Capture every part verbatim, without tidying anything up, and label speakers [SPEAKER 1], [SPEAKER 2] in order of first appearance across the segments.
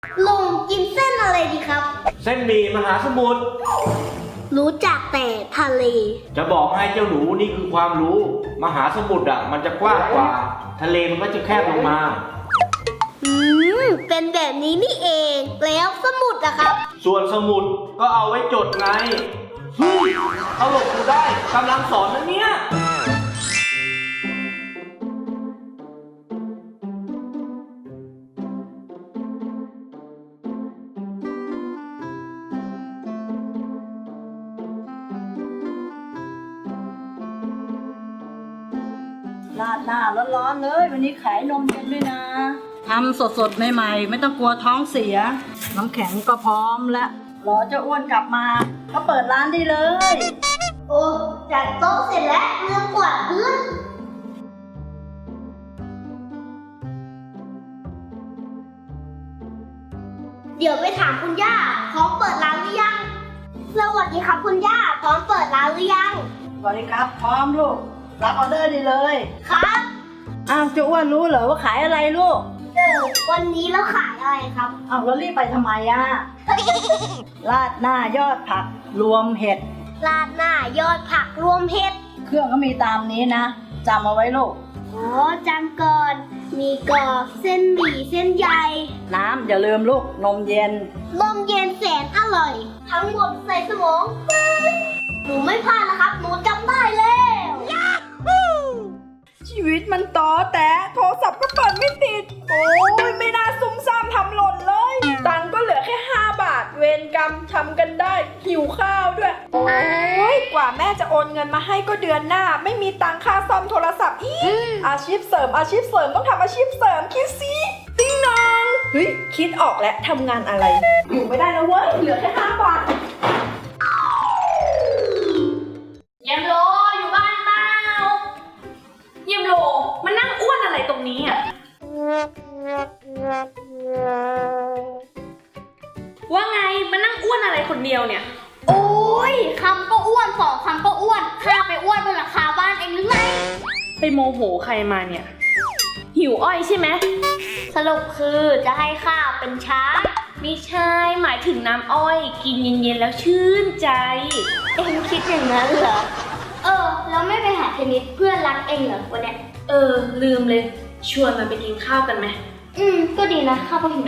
[SPEAKER 1] ลุงกินเส้นอะไรดีครับ
[SPEAKER 2] เส้นหมี่มหาสมุทร
[SPEAKER 1] รู้จักแต่ทะเล
[SPEAKER 2] จะบอกให้เจ้าหนูนี่คือความรู้มหาสมุทรอ่ะมันจะกว้างกว่าทะเลมันก็จะแคบลงมา
[SPEAKER 1] อืมเป็นแบบนี้นี่เองแล้วสมุดอะครับ
[SPEAKER 2] ส่วนสมุดก็เอาไว้จดไงเฮ้ยเอาหลบกูได้กำลังสอนนะเนี่ย
[SPEAKER 3] ราดหน้าร้อนๆเลยวันนี้ขายนมเย็นด้วยนะทำสดๆใหม่ๆไม่ต้องกลัวท้องเสียน้ำแข็งก็พร้อมแล้วรอเจ้าอ้วนกลับมาก็เปิดร้านได้เลย
[SPEAKER 1] โอ้จัดโต๊ะเสร็จแล้วเรื่องกวาดพื้นเดี๋ยวไปถามคุณย่าพร้อมเปิดร้านหรือยังสวัสดีครับคุณย่าพร้อมเปิดร้านหรือยัง
[SPEAKER 3] สวัสดีครับพร้อมลูกรับออเดอร์ได้เลย
[SPEAKER 1] ครับ
[SPEAKER 3] อ้าวเจ้าอ้วนรู้เหรอว่าขายอะไรลูก
[SPEAKER 1] เออวันนี้เราขายอะไรครับ
[SPEAKER 3] อ้าวแล้วรีบไปทำไมอ่ะ ราดหน้ายอดผักรวมเห็ด
[SPEAKER 1] ราดหน้ายอดผักรวมเห็ด
[SPEAKER 3] เครื่องก็มีตามนี้นะจำเอาไว้ลูก
[SPEAKER 1] อ๋อจำก่อนมีกรอบเส้นหมี่เส้นใหญ่
[SPEAKER 3] น้ำอย่าลืมลูกนมเย็น
[SPEAKER 1] นมเย็นแสนอร่อยทั้งหมดใส่สมองหนูไม่พลาดแล้วครับหนูจำได้แล้ว
[SPEAKER 4] ชีวิตมันต่อแต่โทรศัพท์ก็เปิดไม่ติดโอ้ยไม่น่าซุ่มซ่ามทำหล่นเลยตังค์ก็เหลือแค่ห้าบาทเวรกรรมทำกันได้หิวข้าวด้วยโอ้ยกว่าแม่จะโอนเงินมาให้ก็เดือนหน้าไม่มีตังค่าซ่อมโทรศัพท์อีกอาชีพเสริมอาชีพเสริมต้องทำอาชีพเสริมคิดสิติ้งนองเฮ้ยคิดออกแล้วทำงานอะไรอยู่ไม่ได้แล้วเว้ยเหลือแค่ห้าบาท
[SPEAKER 5] เยี่ยมโลอยู่บ้านเปล่าเยี่ยมโลมันนั่งอ้วนอะไรตรงนี้อ่ะว่าไงมันนั่งอ้วนอะไรคนเดียวเนี่ย
[SPEAKER 1] โอ้ยคำก็อ้วนสองคำก็อ้วนข้าไปอ้วนบนหลังคาบ้านเองหรือไง
[SPEAKER 5] ไปโมโหใครมาเนี่ยหิวอ้อยใช่ไหม
[SPEAKER 1] สรุปคือจะให้ข้าเป็นช้าง
[SPEAKER 5] ไม่ใช่หมายถึงน้ำอ้อยกินเย็นๆแล้วชื่นใจ
[SPEAKER 1] เอ็งคิดอย่างนั้นเหรอเออแล้วไม่ไปหาเทนนิสเพื่อนรักเอ็งเหรอวันเนี้ย
[SPEAKER 5] เออลืมเลยชวนมันไปกินข้าวกันไหม
[SPEAKER 1] อืมก็ดีนะข้าวก็หิว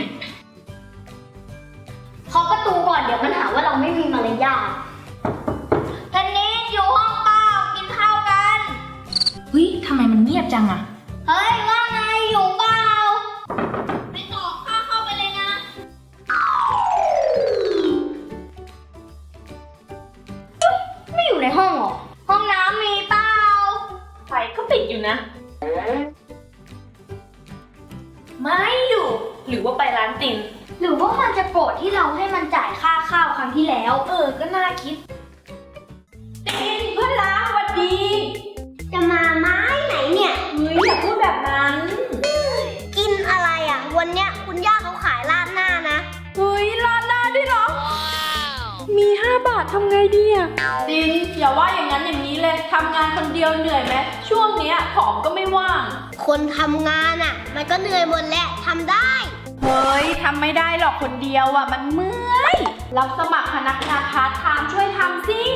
[SPEAKER 1] เคาะประตูก่อนเดี๋ยวมันหาว่าเราไม่มีมารยาทเทนนิสอยู่ห้องเปล่ากินข้าวกัน
[SPEAKER 5] เฮ้ยทำไมมันเงียบจังอะ
[SPEAKER 1] เฮ้ยว่าไงอยู่เปล่าไปต่อข้าเข้าไปเลยนะไม่อยู่ในห้องหรอห้องน้ำมีเปล่า
[SPEAKER 5] ไฟก็ปิดอยู่นะไม่อยู่หรือว่าไปร้านติ่ม
[SPEAKER 1] หรือว่ามันจะโกรธที่เราให้มันจ่ายค่าข้าวครั้งที่แล้ว
[SPEAKER 5] เออก็น่าคิดติ่มเพื่อนรักสวัสดี
[SPEAKER 1] จะมาไม้ไหนเนี่ย
[SPEAKER 5] เฮ้ยอย่าพูดแบบนั้น
[SPEAKER 1] กินอะไรอ่ะวันเนี้ยคุณย่าเขาขายราดหน้านะ
[SPEAKER 4] เฮ้ยราดหน้าด้วยเหรอมีห้าบาททำไงดีอ่ะ
[SPEAKER 5] ตินอย่าว่าอย่างนั้นอย่างนี้เลยทำงานคนเดียวเหนื่อยไหมช่วงเนี้ยผอมก็ไม่ว่าง
[SPEAKER 1] คนทำงานอ่ะมันก็เหนื่อยหมดแหละทำได้
[SPEAKER 4] เฮ้ยทำไม่ได้หรอกคนเดียวอ่ะมันเมื่อย
[SPEAKER 5] รับสมัครพนักงานพาร์ทไทม์ช่วยทำสิ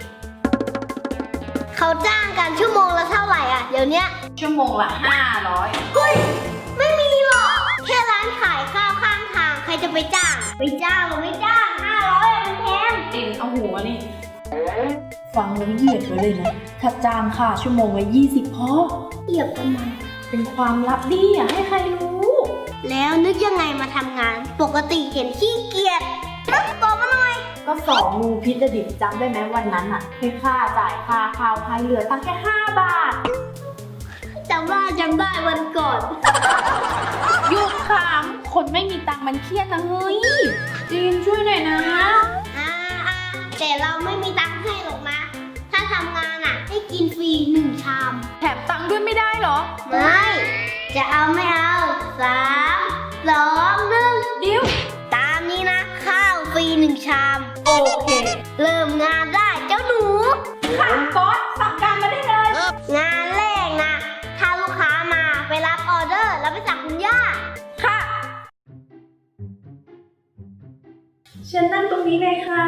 [SPEAKER 1] เขาจ้างกันชั่วโมงละเท่าไหร่อ่ะเดี๋ยวนี้
[SPEAKER 5] ชั่วโมงละห้าร้อย
[SPEAKER 1] เฮ้ยไม่มีหรอกแค่ร้านขายข้าวข้างทางใครจะไปจ้างไปจ้างหรือไม่จ้างห้าร้อยมันแพง
[SPEAKER 5] ตินเอาหัวนี่
[SPEAKER 4] ฟังแล้วเหยียดไว้เลยนะถ้าจ้างค่าชั่วโมงละยี่สิบพอ
[SPEAKER 1] เหยียบทำไม
[SPEAKER 4] เป็นความลับดีอ่ะให้ใครรู้
[SPEAKER 1] แล้วนึกยังไงมาทำงานปกติเห็นขี้เกียจบอกมาหน่อย
[SPEAKER 4] ก็สองงูพิษดิบจำได้ไหมวันนั้นอ่ะให้ค่าจ่ายค่าข้าวให้เหลือตั้งแค่ห้าบาท
[SPEAKER 1] จำได้จำได้วันก่อน
[SPEAKER 4] หยุดขำคนไม่มีตังค์มันเครียดนะเฮ้ยจีนช่วยหน่อยนะ
[SPEAKER 1] อ่าแต่เราไม่มีตังค์ให้หรอกนะถ้าทำงานอ่ะให้กินฟรีหนึ่งชาม
[SPEAKER 4] แถมตังค์ด้วยไม่ได้หรอ
[SPEAKER 1] ไม่จะเอาไม่เอาสามสองหนึ่ง
[SPEAKER 4] ดิ้ว
[SPEAKER 1] ตามนี้นะข้าวฟรีหนึ่งชาม
[SPEAKER 4] โอเค
[SPEAKER 1] เริ่มงานได้เจ้าหนู
[SPEAKER 4] ค่ะบอสสั่งการมาได้เลย
[SPEAKER 1] งานแรกนะถ้าลูกค้ามาไปรับออเดอร์แล้วไปสั่งคุณย่า
[SPEAKER 4] ค่ะเชิญนั่งตรงนี้เลยค่ะ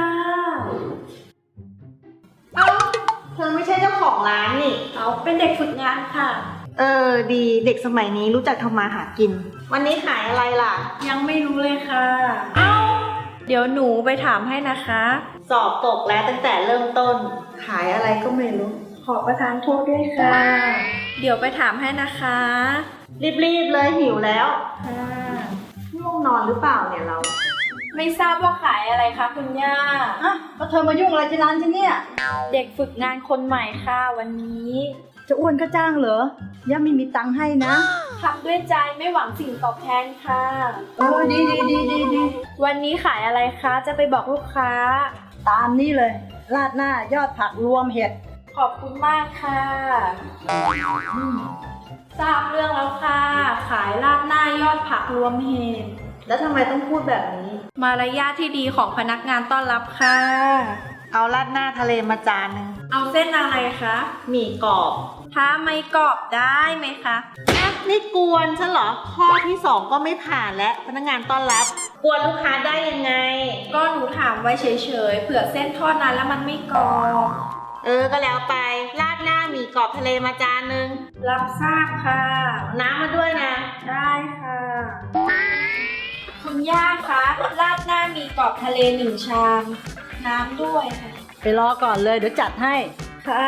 [SPEAKER 3] เอ้าเธอไม่ใช่เจ้าของร้านนี่
[SPEAKER 4] เอาเป็นเด็กฝึกงานค่ะ
[SPEAKER 3] เออดีเด็กสมัยนี้รู้จักทำมาหากิน วันนี้ขายอะไรล่ะ
[SPEAKER 4] ยังไม่รู้เลยค่ะ เอ้า เดี๋ยวหนูไปถามให้นะคะ
[SPEAKER 3] สอบตกแล้วตั้งแต่เริ่มต้น ขายอะไรก็ไม่รู้
[SPEAKER 4] ขอประทานโทษด้วยค่ะ เดี๋ยวไปถามให้นะคะ
[SPEAKER 3] รีบๆเลยหิวแล้ว
[SPEAKER 4] ค่ะ
[SPEAKER 3] ง่วงนอนหรือเปล่าเนี่ยเรา
[SPEAKER 4] ไม่ทราบว่าขายอะไรคะคุณย่า
[SPEAKER 3] อ่ะก็เธอมายุ่งอะไรที่ร้านฉันเนี่ย
[SPEAKER 4] เด็กฝึกงานคนใหม่ค่ะวันนี้
[SPEAKER 3] จะอ้วนก็จ้างเหรอย่าไม่มีตังค์ให้นะ
[SPEAKER 4] ทำด้วยใจไม่หวังสิ่งตอบแทนค่ะ
[SPEAKER 3] เออดีดีดีดีดี
[SPEAKER 4] วันนี้ขายอะไรคะ จะไปบอกลูกค้า
[SPEAKER 3] ตามนี่เลย ราดหน้ายอดผักรวมเห็ด
[SPEAKER 4] ขอบคุณมากค่ะอืมทราบเรื่องแล้วค่ะ ขายราดหน้ายอดผักรวมเห็ด
[SPEAKER 3] แล้วทำไมต้องพูดแบบนี้
[SPEAKER 4] มารยาทที่ดีของพนักงานต้อนรับค่ะ
[SPEAKER 3] เอาราดหน้าทะเลมาจานหนึ่ง
[SPEAKER 4] เอาเส้นอะไรคะ
[SPEAKER 3] หมี่กรอบ
[SPEAKER 4] ถ้าไม่กรอบได้ไหมคะ
[SPEAKER 3] อ่ะนี่กวนฉันเหรอ ข้อที่สองก็ไม่ผ่านและพนักงานต้อนรับ กวนลูกค้าได้ยังไง
[SPEAKER 4] ก็หนูถามไว้เฉยๆ เผื่อเส้นทอดนานแล้วมันไม่กรอบ
[SPEAKER 3] เออ ก็แล้วไป ราดหน้าหมี่กรอบทะเลมาจานหนึ่ง
[SPEAKER 4] รับทราบค่ะ
[SPEAKER 3] น้ำมาด้วยนะ
[SPEAKER 4] ได้ค่ะ คุณย่าคะราดหน้ามีกรอบทะเลหนึ่งชาม น้ำด้วยค่ะ
[SPEAKER 3] ไปรอก่อนเลยเดี๋ยวจัดให้
[SPEAKER 4] ค่ะ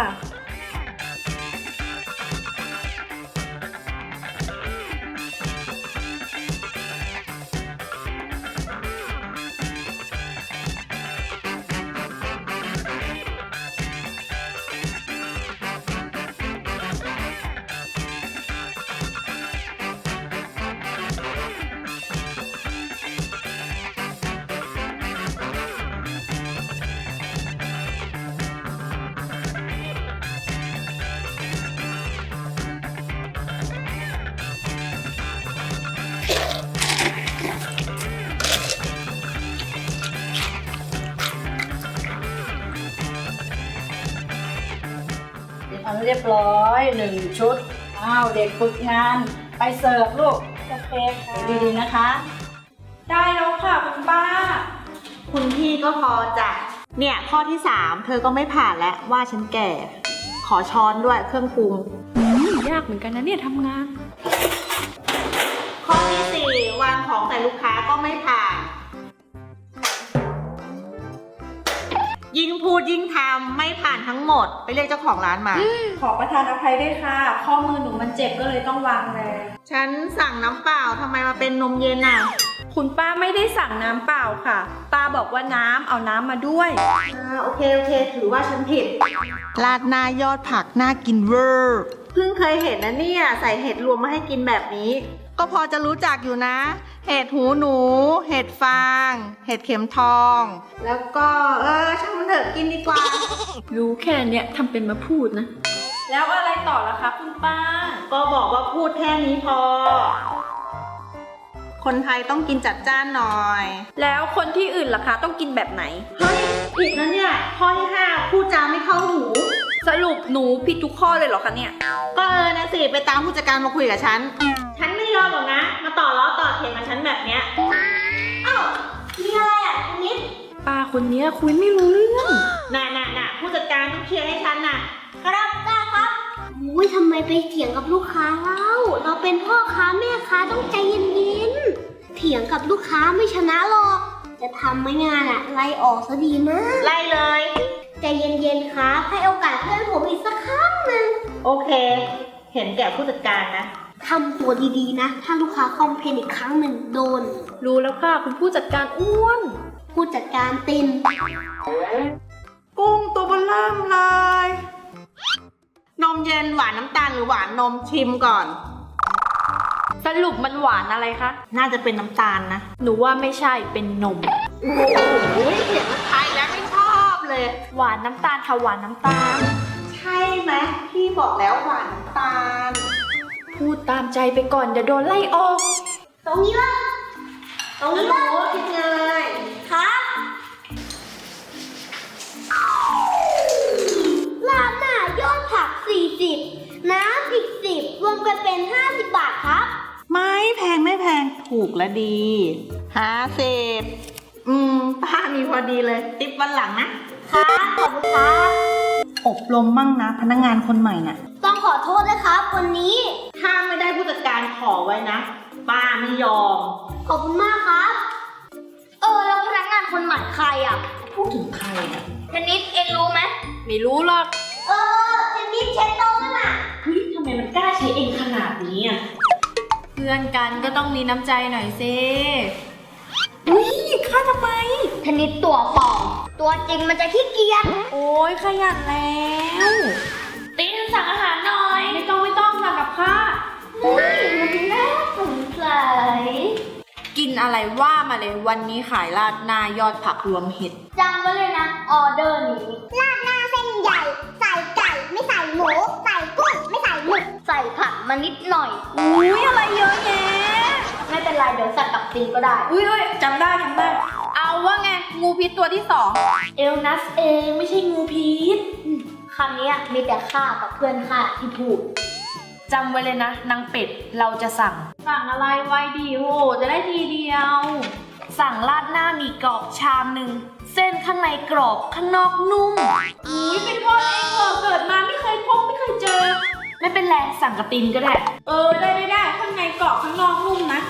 [SPEAKER 3] อันเรียบร้อยหนึ่งชุด อ้าวเด็กฝึกงานไปเสิร์ฟลูก
[SPEAKER 4] โอเคค่ะ
[SPEAKER 3] ดีๆนะคะ
[SPEAKER 4] ได้แล้วค่ะคุณป้า
[SPEAKER 3] คุณพี่ก็พอจ้ะเนี่ยข้อที่สามเธอก็ไม่ผ่านแล้วว่าฉันแก่ ขอช้อนด้วยเครื่องปรุง
[SPEAKER 4] อืมยากเหมือนกันนะเนี่ยทำงาน
[SPEAKER 3] ข้อที่สี่วางของใส่ลูกค้าก็ไม่ผ่าน ยิ่งพูดยิ่งทำไม่ผ่านทั้งหมด ไปเรียกเจ้าของร้านมา
[SPEAKER 4] ขอประทานอภัยด้วยค่ะ ข้อมือหนูมันเจ็บก็เลยต้องวางแรง
[SPEAKER 3] ฉันสั่งน้ำเปล่าทำไมมาเป็นนมเย็นอ่ะ
[SPEAKER 4] คุณป้าไม่ได้สั่งน้ำเปล่าค่ะ ป้าบอกว่าน้ำเอาน้ำมาด้วย
[SPEAKER 3] อ่าโอเคโอเคถือว่าฉันผิด ราดหน้ายอดผักน่ากินเวอร์เพิ่งเคยเห็นนะเนี่ยใส่เห็ดรวมมาให้กินแบบนี้ ก็พอจะรู้จักอยู่นะ เห็ดหูหนู เห็ดฟาง เห็ดเข็มทอง แล้วก็เออช่างมันเถอะกินดีกว่า
[SPEAKER 4] รู้แค่เนี้ยทำเป็นมาพูดนะ แล้วอะไรต่อล่ะคะคุณป้า
[SPEAKER 3] ก็บอกว่าพูดแค่นี้พอ คนไทยต้องกินจัดจ้านหน่อย
[SPEAKER 4] แล้วคนที่อื่นล่ะคะต้องกินแบบไหน
[SPEAKER 3] เฮ้ยผิดนะเนี่ยข้อที่ห้าพูดจาไม่เข้าหู
[SPEAKER 4] สรุปหนูผิดทุกข้อเลยเหรอคะเนี่ย
[SPEAKER 3] ก็เออนะสิไปตามผู้จัดการมาคุยกับฉัน ฉันไม่ยอมหรอกนะ มาต่อล้อต่อเถียงกับฉันแบบเนี้ย
[SPEAKER 1] เอ้ามีอะไรอ่ะคุณนิด
[SPEAKER 4] ป้าคนเนี้ยคุยไม่รู้เรื่อง
[SPEAKER 3] น่ะน่ะน่ะผู้จัดการต้องเคลียร์ให้ฉันน่ะ
[SPEAKER 1] ครับได้ครับอุ้ยทำไมไปเถียงกับลูกค้าเล่า เราเป็นพ่อค้าแม่ค้าต้องใจเย็นๆ เถียงกับลูกค้าไม่ชนะหรอก จะทำไม่งานอ่ะ ไล่ออกซะดีมาก
[SPEAKER 3] ไล่เลย
[SPEAKER 1] ใจเย็นๆ ครับ ให้โอกาสเพื่อนผมอีกสักครั้งหนึ่ง
[SPEAKER 3] โอเค เห็นแก่ผู้จัดการนะ
[SPEAKER 1] ทำตัวดีๆ นะ ถ้าลูกค้าคอมเพลนอีกครั้งหนึ่งโดน
[SPEAKER 4] รู้แล้วค่ะคุณผู้จัดการอ้วน
[SPEAKER 1] ผู้จัดการติน
[SPEAKER 3] กุ้งตัวเบลเริ่มเลย นมเย็นหวานน้ำตาลหรือหวานนมชิมก่อน
[SPEAKER 4] สรุปมันหวานอะไรคะ
[SPEAKER 3] น่าจะเป็นน้ำตาลนะ
[SPEAKER 4] หนูว่าไม่ใช่เป็นนม
[SPEAKER 3] โอ้โหเห็นมันไทยแล้วไม่ชอบเลย
[SPEAKER 4] หวานน้ำตาลค่ะหวานน้ำตาล
[SPEAKER 3] ใช่ไหมพี่บอกแล้วหวานน้ำตาล
[SPEAKER 4] พูดตามใจไปก่อนเดี๋ยวโดนไล่ออก
[SPEAKER 1] ตรงนี้ละตรงนี้ละ
[SPEAKER 3] โอ้คิดเลย
[SPEAKER 1] ครับลาดหน้ายอดผักสี่สิบน้ำอีกสิบรวมกันเป็นห้าสิบบาทครับ
[SPEAKER 3] ไม่แพงไม่แพงถูกและดีห้าสิบอืมป้ามีพอดีเลย ติปวันหลังนะ
[SPEAKER 1] ครับขอบคุณครับ
[SPEAKER 3] อบรมมั่งนะพนักงานคนใหม่น่ะ
[SPEAKER 1] ต้องขอโทษนะครับวันนี้
[SPEAKER 3] ถ้าไม่ได้ผู้จัดการขอไว้นะ ป้าไม่ยอม
[SPEAKER 1] ขอบคุณมากครับ เออแล้วพนักงานคนใหม่ใครอ่ะ
[SPEAKER 3] พูดถึงใครอ่ะ
[SPEAKER 1] เทนนิสเองรู้ไหม
[SPEAKER 5] ไม่รู้หรอก
[SPEAKER 1] เออเทนนิสเช็ดโต๊ะนั่นน่ะ
[SPEAKER 5] เฮ้ยทำไมมันกล้าใช้เองขนาดนี้อ่ะ เพื่อนกันก็ต้องมีน้ำใจหน่อยสิอุ้ยฆ่าทำไม
[SPEAKER 1] เทนนิสตัวปลอมตัวจริงมันจะขี้เกียจ
[SPEAKER 5] โอ้ยขยันแล้วติ้นสั่งอาหารหน่อย ไม่ต้องไม่ต้องสั่งกับข้า
[SPEAKER 1] เฮ้ยมันน่าสงสัย
[SPEAKER 5] กินอะไรว่ามาเลยวันนี้ขายราดหน้ายอดผักรวมเห็ด
[SPEAKER 1] จำไว้เลยนะออเดอร์นี้ราดหน้าเส้นใหญ่ ใส่ไก่ไม่ใส่หมูใส่กุ้งไม่ใส่หมึกใส่ผักมานิดหน่อย
[SPEAKER 5] อุ้ยอะไรเยอะแยะ
[SPEAKER 1] ไม่เป็นไรเดี๋ยวสั่งกับซีก็ได้
[SPEAKER 5] อุ้ยเอ้ยจำได้จำได้ เอาว่าไงงูพิษตัวที่สองเอลนัสเองไม่ใช่งูพิษ
[SPEAKER 1] คำนี้มีแต่ข้ากับเพื่อนข้าที่พูด
[SPEAKER 5] จำไว้เลยนะนางเป็ดเราจะสั่ง สั่งอะไรไว้ดีโหจะได้ทีเดียว สั่งราดหน้าหมีกรอบชามหนึ่งเส้นข้างในกรอบข้างนอกนุ่มอุ้ยเป็นพ่อเองเหรอเกิดมาไม่เคยพบไม่เคยเจอ ไม่เป็นไรสั่งกระตินก็ได้ เออได้ได้ได้ข้างในกรอบข้างนอกนุ่มนะ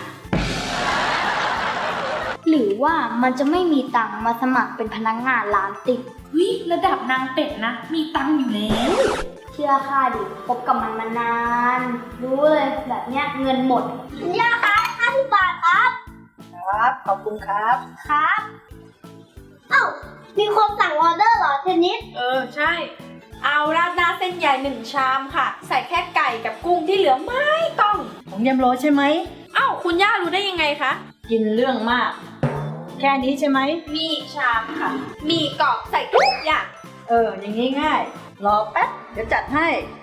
[SPEAKER 1] หรือว่ามันจะไม่มีตังค์มาสมัครเป็นพนักงานร้านติ่ง
[SPEAKER 5] วิระดับนางเป็ดนะ มีตังค์อยู่แล้ว
[SPEAKER 1] เชื่อข้าดิพบกับมันมานาน รู้เลยแบบเนี้ยเงินหมดคุณย่าคะห้าสิบบาทครับ
[SPEAKER 3] ครับ ขอบคุณครับ
[SPEAKER 1] ครับ เอ้า มีคนสั่งออเดอร์เหรอเทนนิส
[SPEAKER 4] เออใช่ เอาราดหน้าเส้นใหญ่หนึ่งชามค่ะ ใส่แค่ไก่กับกุ้งที่เหลือไม่ต้อง
[SPEAKER 3] ของเยมโรใช่ไหม
[SPEAKER 4] เอ้าคุณย่ารู้ได้ยังไงคะ
[SPEAKER 3] กินเรื่องมาก แค่นี้ใช่ไหม
[SPEAKER 4] มีชามค่ะ มีกรอบใส่ทุกอย่าง
[SPEAKER 3] เออ อย่างนี้ง่าย รอแป๊บ เดี๋ยวจัดให้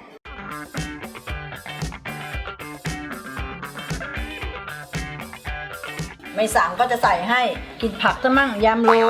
[SPEAKER 3] ไม่สั่งก็จะใส่ให้ กินผักซะมั่งยำโร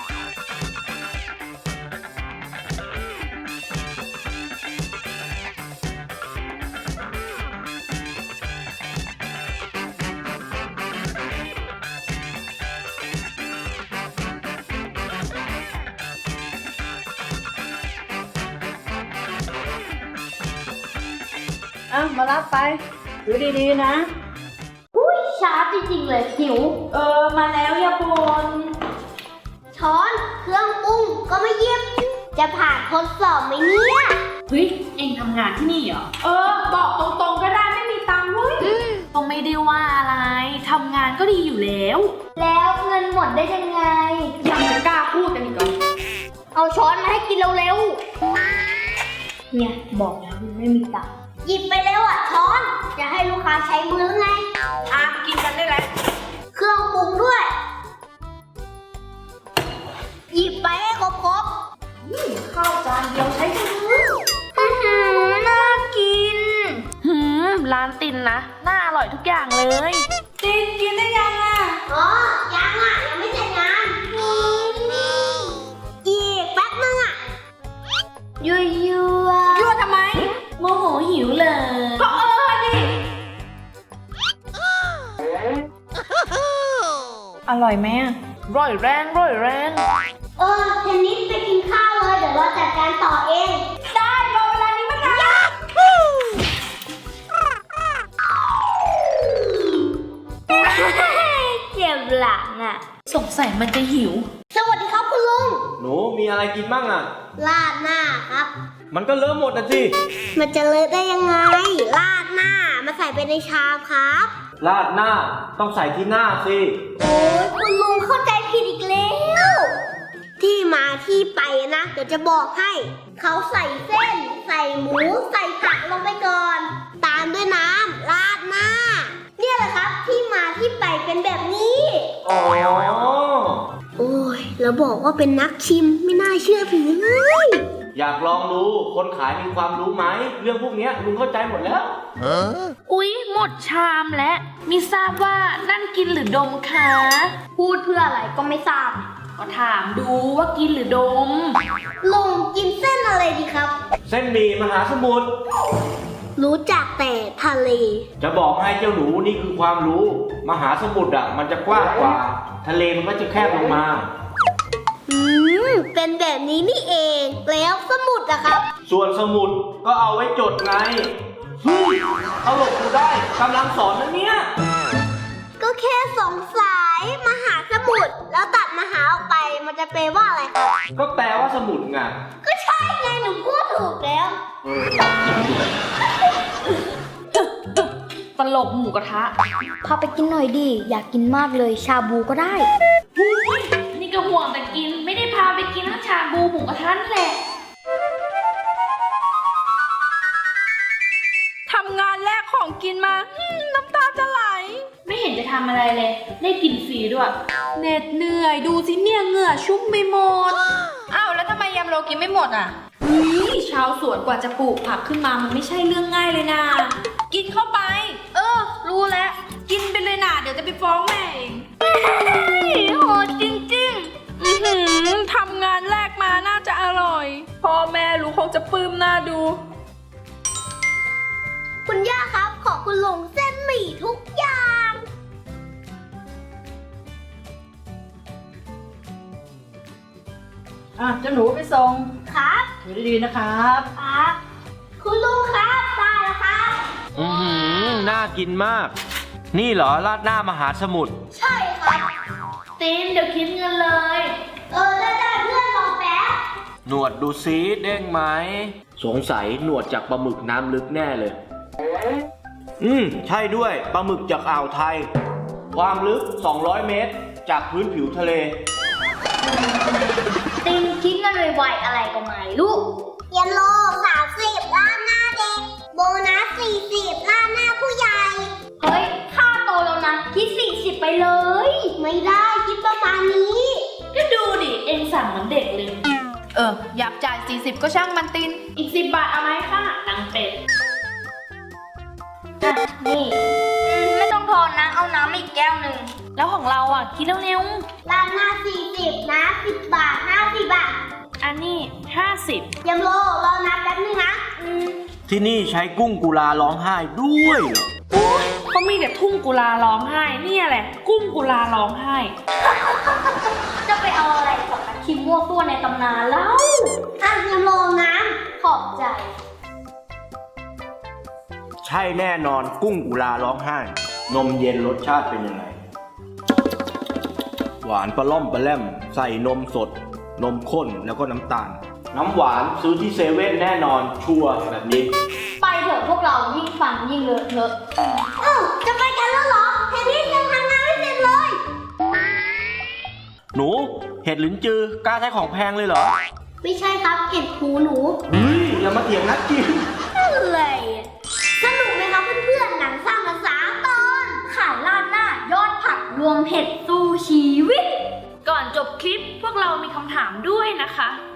[SPEAKER 3] อ่ะ มารับไปดูดีๆนะ
[SPEAKER 1] อุ้ยช้าจริงๆเลยหิว
[SPEAKER 4] เออมาแล้วอย่าบ่น
[SPEAKER 1] ช้อนเครื่องปรุงก็ไม่เยียบ จะผ่านทดสอบไหมเนี่ย
[SPEAKER 5] เฮ้ยเองทำงานที่นี่เหรอ
[SPEAKER 4] เออบอกตรงๆก็ได้ไม่มีตังค์เว้ย
[SPEAKER 5] ก็ไม่ได้ว่าอะไรทำงานก็ดีอยู่แล้ว
[SPEAKER 1] แล้วเงินหมดได้ยังไง
[SPEAKER 4] ยังจะกล้าพูดกันอีกเหรอ
[SPEAKER 1] เอาช้อนมาให้กินเร็วๆ เนี่ยบอกแล้วมันไม่มีตังค์หยิบไปเร็วอ่ะช้อน จะให้ลูกค้าใช้มือหรือไง
[SPEAKER 4] อ่ะกินกันได้แล้ว
[SPEAKER 1] เครื่องปรุงด้วย หยิบไปให้ครบครบ
[SPEAKER 4] ข้าวจานเดียวใช้มือ
[SPEAKER 1] อื้อหือน่ากิน
[SPEAKER 5] หืมร้านตินนะ น่าอร่อยทุกอย่างเลย
[SPEAKER 4] ตินกินได้ยังอ่ะ
[SPEAKER 1] อ๋อ ยังอ่ะ ยังไม่เสร็จงาน อีกแป๊บนึงอ่ะ ยั่วยั่ว
[SPEAKER 4] ยั่วทำไม
[SPEAKER 5] โมโหหิวเลย
[SPEAKER 4] ก็เออดิ อร่อยไหมอ่ะ
[SPEAKER 5] ร่อยแรงร่อยแรง
[SPEAKER 1] เออเทนนิสไปกินข้าวเลย เดี๋ยวเราจัดการต่อเอง
[SPEAKER 4] ได้รอเวลานี้มานาน
[SPEAKER 1] เจ็บหลังอ่ะ
[SPEAKER 5] สงสัยมันจะหิว
[SPEAKER 1] สวัสดีครับคุณลุง
[SPEAKER 2] หนูมีอะไรกินบ้างอ่ะ
[SPEAKER 1] ราดหน้าครับ
[SPEAKER 2] มันก็เลอะหมดอ่ะสิ
[SPEAKER 1] มันจะเลอะได้ยังไง ราดหน้ามาใส่ไปในชามครับ
[SPEAKER 2] ราดหน้าต้องใส่ที่หน้าสิ
[SPEAKER 1] โอ้ยคุณลุงเข้าใจผิดอีกแล้ว ที่มาที่ไปนะ เดี๋ยวจะบอกให้ เขาใส่เส้น ใส่หมู ใส่ผักลงไปก่อน ตามด้วยน้ำราดหน้า เนี่ยแหละครับ ที่มาที่ไปเป็นแบบนี้
[SPEAKER 2] อ๋อ
[SPEAKER 1] โอ้ยแล้วบอกว่าเป็นนักชิมไม่น่าเชื่อถือเลย
[SPEAKER 2] อยากลองดูคนขายมีความรู้ไหม เรื่องพวกเนี้ยลุงเข้าใจหมดแล้ว
[SPEAKER 5] อุ๊ย หมดชามและมิทราบว่านั่นกินหรือดมคะ
[SPEAKER 1] พูดเพื่ออะไรก็ไม่ทราบ
[SPEAKER 5] ก็ถามดูว่ากินหรือดม
[SPEAKER 1] ลุงกินเส้นอะไรดีครับ
[SPEAKER 2] เส้นหมี่มหาสมุทร
[SPEAKER 1] รู้จักแต่ทะเล
[SPEAKER 2] จะบอกให้เจ้าหนูนี่คือความรู้ มหาสมุทรอ่ะมันจะกว้างกว่า ทะเลมันก็จะแคบลงมา
[SPEAKER 1] อืม เป็นแบบนี้นี่เอง แล้วสมุดอะครับ
[SPEAKER 2] ส่วนสมุดก็เอาไว้จดไงเฮ้ยเอาหลบกูได้กำลังสอนนะเนี่ย
[SPEAKER 1] ก็แค่สงสัยมหาสมุทรแล้วตัดมหาออกไปมันจะแปลว่าอะไรครับ
[SPEAKER 2] ก็แปลว่าสมุดไง
[SPEAKER 1] ก็ใช่ไงหนูพูดถูกแล้ว
[SPEAKER 5] ตลกหมูกระทะ
[SPEAKER 6] พาไปกินหน่อยดิ อยากกินมากเลย ชาบูก็ได้
[SPEAKER 5] อุ๊ยนี่ก็ห่วงแต่กิน ไม่ได้พาไปกินทั้งชาบูหมูกระทะนั่นแหละ
[SPEAKER 4] ทำงานแลกของกินมาอืมน้ำตาจะไหล
[SPEAKER 5] ไม่เห็นจะทำอะไรเลย ได้กินฟรีด้วย
[SPEAKER 4] เหน็ดเหนื่อยดูสิเนี่ยเหงื่อชุ่มไปหมด อ้าวแล้วทำไมยำโรกินไม่หมดอ่ะนี่ชาวสวนกว่าจะปลูกผักขึ้นมามันไม่ใช่เรื่องง่ายเลยนะกินเข้าไป เออ รู้แล้ว กินไปเลยนะเดี๋ยวจะไปฟ้องแม่เองโหดจริงๆอือหือทำงานแรกมาน่าจะอร่อย พ่อแม่รู้คงจะปลื้มหน้าดู
[SPEAKER 1] คุณย่าครับ ขอคุณลุงเส้นหมี่ทุกอย่าง
[SPEAKER 3] อ่ะเจ้าหนูไปส่ง
[SPEAKER 1] ครับ
[SPEAKER 3] อยู่ดีๆนะครับ
[SPEAKER 1] ครับ คุณลุงครับได้แล้วครับ
[SPEAKER 2] อือหือน่ากินมาก นี่เหรอราดหน้ามหาสมุทร
[SPEAKER 1] ใช่ครับ
[SPEAKER 5] ตีนเดี๋ยวคิดเงินเลย
[SPEAKER 1] เออได้ได้เพื่อนรอแป๊บ
[SPEAKER 2] หนวดดูซิเด้งไหม สงสัยหนวดจากปลาหมึกน้ำลึกแน่เลย อืม ใช่ด้วยปลาหมึกจากอ่าวไทย ความลึก สองร้อย เมตร จากพื้นผิวทะเล
[SPEAKER 6] ติงคิดเงินไวๆอะไรก็ไม่รู้
[SPEAKER 1] เยนโลสามสิบล้านหน้าเด็ก โบนัสสี่สิบล้านหน้าผู้ใหญ่
[SPEAKER 6] เฮ้ย ค่าโตแล้วนะ คิดสี่สิบไปเลย
[SPEAKER 1] ไม่ได้คิดประมาณนี้
[SPEAKER 5] ก็ดูดิ เองสั่งเหมือนเด็กเลย
[SPEAKER 4] เออ อยากจ่ายสี่สิบก็ช่างมันติน
[SPEAKER 5] อีกสิบบาทเอาไหมค่ะนางเป็ด
[SPEAKER 6] อ่ะ นี่อืมไม่ต้องทอนนะ เอาน้ำอีกแก้วหนึ่ง
[SPEAKER 5] แล้วของเราอ่ะ คิดเร็ว
[SPEAKER 1] ล้านหน้าสี่สิบนะสิบบาทห้าสิบบาท
[SPEAKER 5] ๆ อันนี้ห้าสิบ
[SPEAKER 1] เยมโลรอนับแป๊บนึงนะ อืม
[SPEAKER 2] ที่นี่ใช้กุ้งกุลาร้องไห้ด้วยเหรอ
[SPEAKER 5] เขามีแต่ทุ่งกุลาร้องไห้ เนี่ยแหละ กุ้งกุลาร้องไห้
[SPEAKER 6] จะไปเอาอะไรกับอาคิมมั่วตัวในตำนานแล้ว
[SPEAKER 1] อ่ะเยมโลน้ำขอบใจ
[SPEAKER 2] ใช่แน่นอนกุ้งกุลาร้องไห้ นมเย็นรสชาติเป็นยังไง หวานปลาล่อมปลาแล่ม ใส่นมสด นมข้นแล้วก็น้ำตาล น้ำหวานซื้อที่เซเว่นแน่นอนชัวร์แบบนี้
[SPEAKER 6] ไปเถอะพวกเรายิ่งฟังยิ่งเลอะเทอะ
[SPEAKER 1] เอ้าจะไปกันแล้วเหรอเทนนี่ยังทำงานไม่เสร็จเลย
[SPEAKER 2] หนู เห็ดหลินจือกล้าใช้ของแพงเลยเหรอ
[SPEAKER 1] ไม่ใช่ครับเก็บหูหนู
[SPEAKER 2] เฮ้ยอย่ามาเถียงนักกิน
[SPEAKER 1] อะไรอะสนุกไหมครับเพื่อนๆหนังสร้างภาษาตอน
[SPEAKER 6] ขายราดหน้ายอดผักรวมเผ็ดสู้ชีวิต
[SPEAKER 5] ก่อนจบคลิปพวกเรามีคำถามด้วยนะคะ